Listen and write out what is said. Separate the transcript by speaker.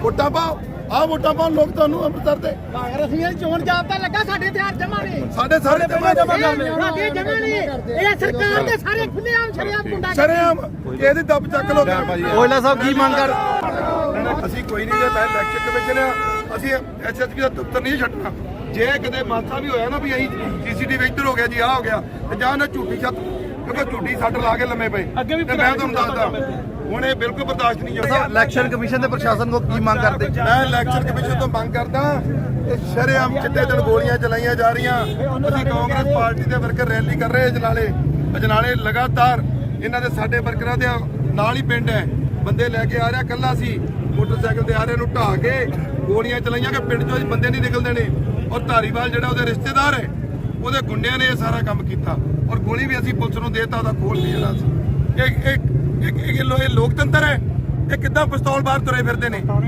Speaker 1: ਵੋਟਾਂ ਪਾਓ, ਆਹ ਵੋਟਾਂ ਪਾਉਣ ਲੋਕ ਤੁਹਾਨੂੰ ਅੰਮ੍ਰਿਤਸਰ ਦੇ।
Speaker 2: ਕਾਂਗਰਸੀ ਚੋਣ ਜਾਬਤਾ ਲੱਗਾ, ਸਾਡੇ ਹਥਿਆਰ ਜਮਾ ਨੇ,
Speaker 1: ਸਾਡੇ ਸਾਰੇ ਜਮਾ
Speaker 2: ਸਾਡੇ ਜਮਾ ਨੇ। ਇਹ ਸਰਕਾਰ ਦੇ ਸਾਰੇ ਖੁੱਲ੍ਹੇਆਮ ਸ਼ਰੇਆਮ ਗੁੰਡਾ
Speaker 1: ਸ਼ਰੇਆਮ ਇਹਦੀ ਦੱਬ ਚੱਕ ਲੋ।
Speaker 3: ਓਇਲਾ ਸਾਹਿਬ ਕੀ ਮੰਗ ਕਰ?
Speaker 1: ਅਸੀਂ ਕੋਈ ਨਹੀਂ, ਜੇ ਮੈਂ ਇਲੈਕਸ਼ਨ ਕਮਿਸ਼ਨ ਆ, ਅਸੀਂ ਐਸਐਸਪੀ ਦਾ ਦਫ਼ਤਰ ਨਹੀਂ ਛੱਡਣਾ। ਜੇ ਕਿਤੇ ਮਾਸਾ ਵੀ ਹੋਇਆ ਨਾ ਵੀ ਅਸੀਂ ਸੀਸੀਟੀਵੀ ਇੱਧਰ ਹੋ ਗਿਆ ਜੀ, ਆਹ ਹੋ ਗਿਆ, ਤੇ ਜਾਂ ਨਾ ਝੂਠੀ ਛੱਤ, ਕਿਉਂਕਿ ਝੂਠੀ ਸੱਟ ਲਾ ਕੇ ਲੰਮੇ ਪਏ, ਤੇ ਮੈਂ ਤੁਹਾਨੂੰ ਦੱਸਦਾ ਹੁਣ ਇਹ ਬਿਲਕੁਲ ਬਰਦਾਸ਼ਤ ਨਹੀਂ ਹੋਇਆ।
Speaker 3: ਇਲੈਕਸ਼ਨ ਕਮਿਸ਼ਨ ਤੇ ਪ੍ਰਸ਼ਾਸਨ ਕੋ ਕੀ ਮੰਗ ਕਰਦੇ?
Speaker 1: ਮੈਂ ਇਲੈਕਸ਼ਨ ਕਮਿਸ਼ਨ ਤੋਂ ਮੰਗ ਕਰਦਾ ਕਿ ਸ਼ਰੇਆਮ ਚਿੱਟੇ ਦਿਨ ਗੋਲੀਆਂ ਚਲਾਈਆਂ ਜਾ ਰਹੀਆਂ। ਅਸੀਂ ਕਾਂਗਰਸ ਪਾਰਟੀ ਦੇ ਵਰਕਰ ਰੈਲੀ ਕਰ ਰਹੇ ਅਜਨਾਲੇ ਲਗਾਤਾਰ ਇਹਨਾਂ ਦੇ ਸਾਡੇ ਵਰਕਰਾਂ ਦੇ ਨਾਲ ਹੀ ਪਿੰਡ ਹੈ, ਬੰਦੇ ਲੈ ਕੇ ਆ ਰਿਹਾ, ਕੱਲਾ ਸੀ ਮੋਟਰਸਾਈਕਲ ਤੇ ਆ ਰਿਹਾ, ਨੂੰ ਢਾਹ ਕੇ ਗੋਲੀਆਂ ਚਲਾਈਆਂ ਕਿ ਪਿੰਡ ਚੋਂ ਬੰਦੇ ਨਹੀਂ ਨਿਕਲਦੇ ਨੇ। ਔਰ ਧਾਰੀਵਾਲ ਜਿਹੜਾ ਉਹਦੇ ਰਿਸ਼ਤੇਦਾਰ ਹੈ, ਉਹਦੇ ਗੁੰਡਿਆਂ ਨੇ ਇਹ ਸਾਰਾ ਕੰਮ ਕੀਤਾ, ਔਰ ਗੋਲੀ ਵੀ ਅਸੀਂ ਪੁਲਿਸ ਨੂੰ ਦੇਤਾ, ਉਹਦਾ ਖੋਲ ਵੀ ਜਿਹੜਾ ਸੀ। ਇਹ ਲੋਕਤੰਤਰ ਹੈ, ਇਹ ਕਿੱਦਾਂ ਪਿਸਤੌਲ ਬਾਹਰ ਤੁਰੇ ਫਿਰਦੇ ਨੇ।